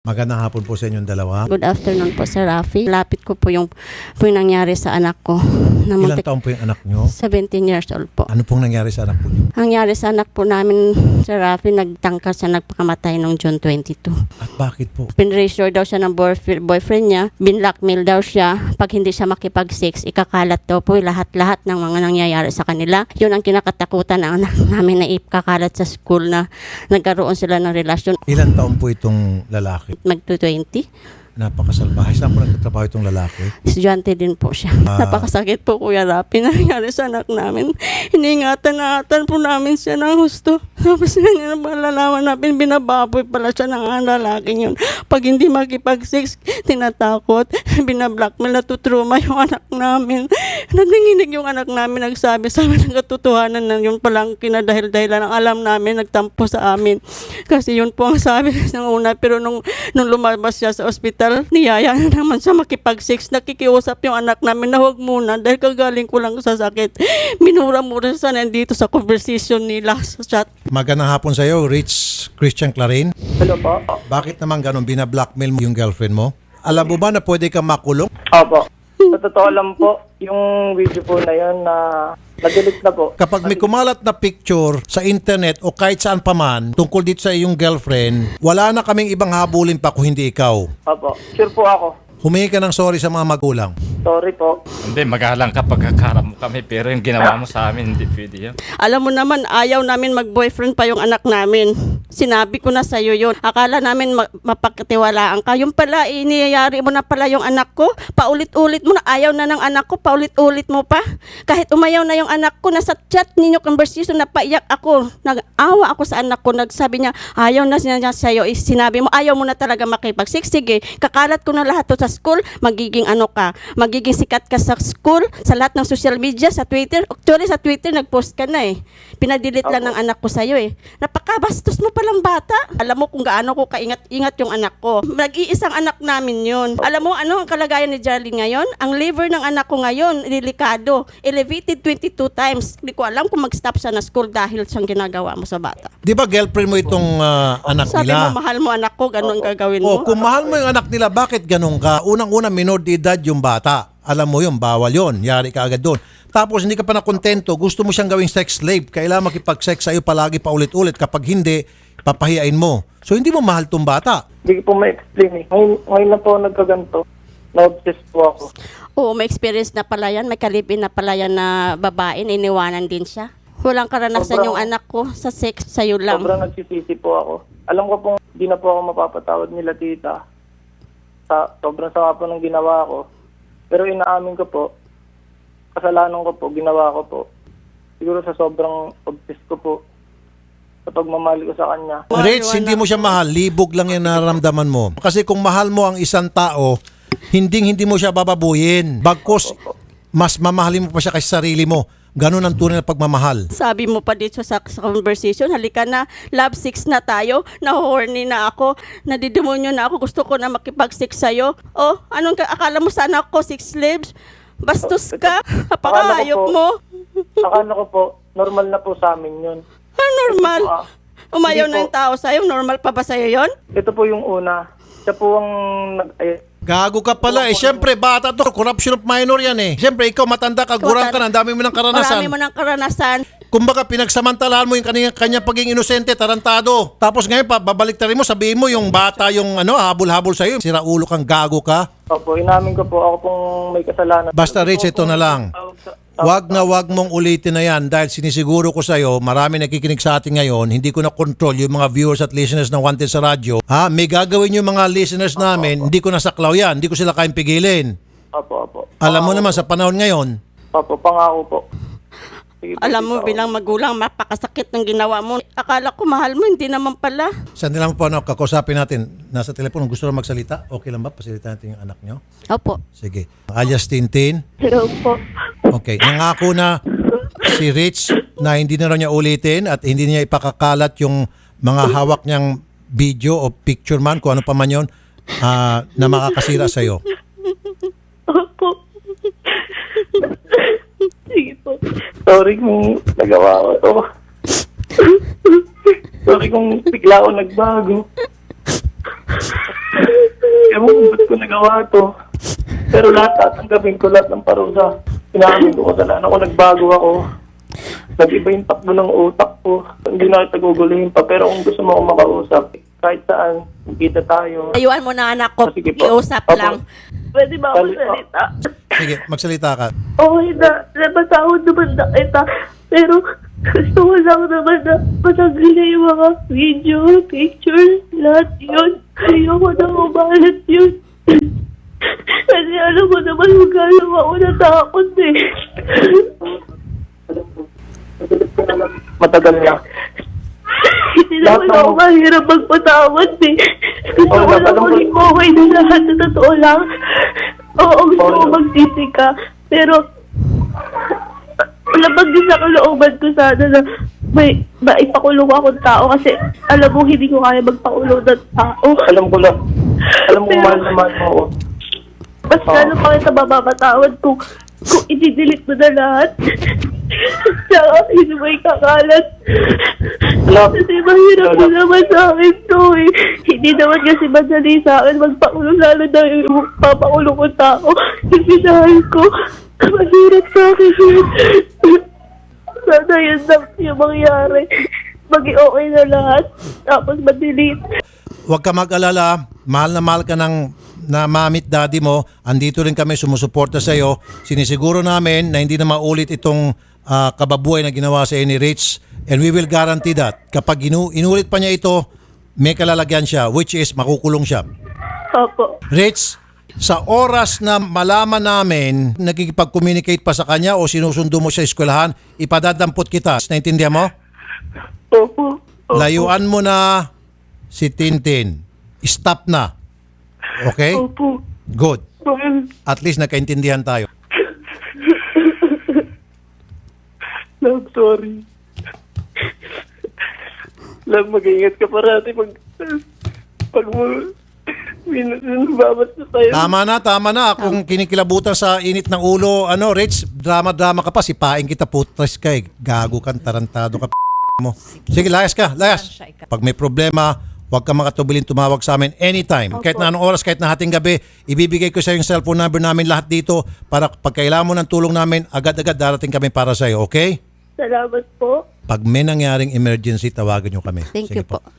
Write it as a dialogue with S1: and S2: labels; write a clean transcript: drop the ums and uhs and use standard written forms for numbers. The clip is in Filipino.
S1: Magandang hapon po sa inyong dalawa.
S2: Good afternoon po, Sir Rafi. Lapit ko po yung nangyari sa anak ko.
S1: Ilang taon po yung anak nyo?
S2: 17 years old po.
S1: Ano pong nangyari sa anak po nyo?
S2: Ang nangyari sa anak po namin, Sir Rafi, nagtangka siya, nagpakamatay noong June 22.
S1: At bakit po?
S2: Pinressure daw siya ng boyfriend niya. Binlockmail daw siya. Pag hindi siya makipag-sex, ikakalat daw po lahat-lahat ng mga nangyayari sa kanila. Yun ang kinakatakutan ng anak namin na ikakalat sa school na nagkaroon sila ng relasyon.
S1: Ilang taon po itong lalaki?
S2: Mag-20.
S1: Napakasalbahay. Saan po nagtatrabaho itong lalaki?
S2: Estudyante din po siya. Napakasakit po, Kuya Rapi, nangyari sa anak namin. Iningatan po namin siya ng husto. Tapos ganyan na malalaman namin, binababoy pala siya ng lalaking yun. Pag hindi makipag-sex, tinatakot, binablockmail, natutruma yung anak namin. Nanginginig yung anak namin, nagsabi sa amin ng katotohanan na yun palang kinadahil-dahilan ng alam namin, nagtampo sa amin. Kasi yun po ang sabi ng una, pero nung lumabas siya sa ospital, niyaya na naman siya makipag-sex. Nakikiusap yung anak namin na huwag muna dahil kagaling ko lang sa sakit. Minura-mura siya nandito sa conversation nila sa chat.
S1: Magandang hapon sa iyo, Rich Christian Clarin.
S3: Hello po.
S1: Bakit naman ganun binablockmail mo yung girlfriend mo? Alam mo ba na pwede kang makulong?
S3: Opo. Sa totoo lang po, yung video po na yun na na-delete na po.
S1: Kapag may kumalat na picture sa internet o kahit saan pa man tungkol dito sa iyong girlfriend, wala na kaming ibang habulin pa kung hindi ikaw.
S3: Opo. Sure po ako.
S1: Humingi ka ng sorry sa mga magulang.
S3: Sorry po.
S4: Hindi, magalang kapag kakarap mo kami, pero yung ginawa mo sa amin, hindi pwede yun.
S2: Alam mo naman, ayaw namin mag-boyfriend pa yung anak namin. Sinabi ko na sa'yo yun. Akala namin mapagkatiwalaan ka. Yung pala, iniyayari mo na pala yung anak ko. Paulit-ulit mo na. Ayaw na ng anak ko. Paulit-ulit mo pa. Kahit umayaw na yung anak ko, nasa chat ninyo conversation, napaiyak ako. Nag-awa ako sa anak ko. Nagsabi niya, ayaw na niya sa'yo. Sinabi mo, ayaw mo na talaga makipag-sex. Sige, kakalat ko na lahat to sa school. Magiging ano ka. Magiging sikat ka sa school, sa lahat ng social media, sa Twitter. Actually, sa Twitter, nag-post ka na eh. Pinadelete lang ng anak ko sa'yo eh. Napakabastos mo palang bata. Alam mo kung gaano ko kaingat-ingat yung anak ko. Nag-iisang anak namin yun. Alam mo ano ang kalagayan ni Jarlene ngayon? Ang liver ng anak ko ngayon, delikado. Elevated 22 times. Hindi ko alam kung mag-stop siya na school dahil siyang ginagawa mo sa bata.
S1: Di ba girlfriend mo itong anak
S2: Sabi
S1: nila?
S2: mo, mahal mo anak ko, ganun ang gagawin
S1: Oh,
S2: mo.
S1: kung mahal mo yung anak nila, bakit ganun ka? Unang-una, minor de edad yung bata. Alam mo yun, bawal yun. Yari ka agad doon. Tapos hindi ka pa nakontento, gusto mo siyang gawing sex slave. Kailangan makipag-sex sa'yo palagi paulit-ulit. Kapag hindi, papahiyain mo. So hindi mo mahal tong bata.
S3: Hindi ko po ma-explain eh. Ngayon na po nagkaganto. Na-obsess po ako.
S2: Oo, may experience na pala yan. May kalipin na pala yan na babae. Iniwanan din siya. Walang karanasan yung anak ko sa sex. Sa'yo lang.
S3: Sobrang nagsisisi po ako. Alam ko pong hindi na po ako mapapatawad nila tita. Sobrang sama po ng ginawa ko. Pero inaamin ko po, kasalanan ko po, ginawa ko po. Siguro sa sobrang obsess ko po, sa pagmamahal ko sa kanya.
S1: Rich, hindi mo siya mahal. Libog lang yung nararamdaman mo. Kasi kung mahal mo ang isang tao, hindi mo siya bababuyin. Bagkus, mas mamahalin mo pa siya kasi sarili mo. Ganun ang tunay na pagmamahal.
S2: Sabi mo pa dito sa conversation, halika na, love sex na tayo, na-horny na ako, nadidemonyo na ako, gusto ko na makipag-sex sa'yo. Oh, anong akala mo sana ako, sex slaves? Bastos ka, napakahayop mo.
S3: Akala ko po, normal na po sa amin yun.
S2: Normal. Umayaw
S3: Hindi
S2: na yung tao sa'yo, normal pa ba sa'yo yon?
S3: Ito po yung una. Siya po ang
S1: Gago ka pala eh. Siyempre, bata to. Corruption of minor yan eh. Siyempre, ikaw matanda ka, gurang ka na. Ang dami mo ng karanasan.
S2: Marami mo ng karanasan.
S1: Kumbaga, pinagsamantalahan mo yung kanya pagiging inosente, tarantado. Tapos ngayon, babalik rin mo, sabihin mo yung bata yung habol-habol sa'yo. Sira ulo kang, gago ka.
S3: Opo, inamin ko po ako pong may kasalanan.
S1: Basta Rich, ito na lang. Wag mong ulitin na yan dahil sinisiguro ko sa'yo, marami nakikinig sa atin ngayon, hindi ko na control yung mga viewers at listeners ng Wanted sa radyo. May gagawin yung mga listeners namin, hindi ko nasaklaw yan, hindi ko sila kayang pigilin.
S3: Opo.
S1: Alam mo naman sa panahon ngayon.
S3: Opo, pangako po. Sige po,
S2: Alam mo,
S3: tita.
S2: bilang magulang, mapakasakit ng ginawa mo. Akala ko mahal mo, hindi naman pala.
S1: Saan nila mo pa kakusapin natin? Nasa telepono, gusto na magsalita? Okay lang ba? Pasalita natin yung anak nyo?
S2: Opo.
S1: Sige. Alias Tintin.
S3: Hello po.
S1: Okay. Nangako na si Rich na hindi na raw niya ulitin at hindi niya ipakakalat yung mga hawak niyang video o picture man, kung ano pa man yun, na makakasira sa'yo.
S3: Opo. Sige po. Sorry kung nagawa ko to. Sorry kung bigla ako nagbago. mo kung ba't ko nagawa to. Pero lahat tatanggapin ko lahat ng parusa. Inamin ko kasalanan ko, nagbago ako. Nag-iba yung takbo ng utak ko. Hindi na kita guguluhin pa. Pero kung gusto mo ako makausap, kahit saan, kita tayo.
S2: Ayuan mo na anak ko,
S3: Ah, sige po.
S2: iusap
S3: Opo.
S2: lang.
S5: Pwede ba ako
S3: Kali-
S5: salita?
S1: Sige, magsalita ka.
S5: Okay na, napatawad naman na kita. Pero gusto ko lang naman na matanggal na yung mga video, pictures, lahat yun. Ayoko na umalat yun. Kasi alam mo naman kung gano'n ako natakot eh.
S3: Matagal na.
S5: Hindi naman
S3: Lahat ng-
S5: ako mahirap magpatawad eh. Gusto
S3: Oo,
S5: ko lang
S3: alam ko-
S5: maging okay na lahat sa totoo lang. Oo, gusto ko
S3: Oo.
S5: magsisi ka. Pero, labag din sa kalooban ko sana na may maipakulong akong tao kasi alam mo hindi ko kaya magpakulong ng tao.
S3: Alam ko lang. Alam ko
S5: Pero-
S3: mahal na mahal mo ako.
S5: Mas lalo pa kita mapapatawad kung i-delete mo na lahat. Tsaka hindi mo ikakalat.
S3: Alam.
S5: Kasi mahirap mo
S3: Alam.
S5: naman sa akin to eh. Hindi naman kasi madali sa akin magpakulong lalo na yung papakulong ko tao. Kasi dahil ko, mahirap sa akin yun. Sana yun lang yung mangyari. Maging okay na lahat. Tapos ma-delete.
S1: Huwag ka mag-alala, mahal ka ng na mamit daddy mo, andito rin kami sumusuporta sa iyo. Sinisiguro namin na hindi na maulit itong kababuhay na ginawa sa ni Rich, and we will guarantee that. Kapag inulit pa niya ito, may kalalagyan siya, which is makukulong siya.
S5: Opo.
S1: Rich, sa oras na malaman namin, nagkikipag-communicate pa sa kanya o sinusundo mo siya sa eskwelahan, ipadadampot kita. Naintindihan mo?
S5: Opo. Opo.
S1: Layuan mo na si Tintin. Stop na. Okay?
S5: Opo.
S1: Good. At least nagkaintindihan tayo.
S3: Love, sorry. Love, mag-ingat ka parati pag mo binabat na tayo.
S1: Tama na. Kung kinikilabutan sa init ng ulo, Rich, drama-drama ka pa. Sipain kita, putres ka eh. Gago ka, tarantado ka, mo. Sige, layas ka, layas. Pag may problema, huwag ka makatubilin tumawag sa amin anytime. Kahit na anong oras, kahit na hating gabi, ibibigay ko sa yung cellphone number namin lahat dito para pag kailangan mo ng tulong namin, agad-agad darating kami para sa iyo, okay?
S5: Salamat po.
S1: Pag may nangyaring emergency, tawagan nyo kami.
S2: Thank
S1: Sige
S2: you po.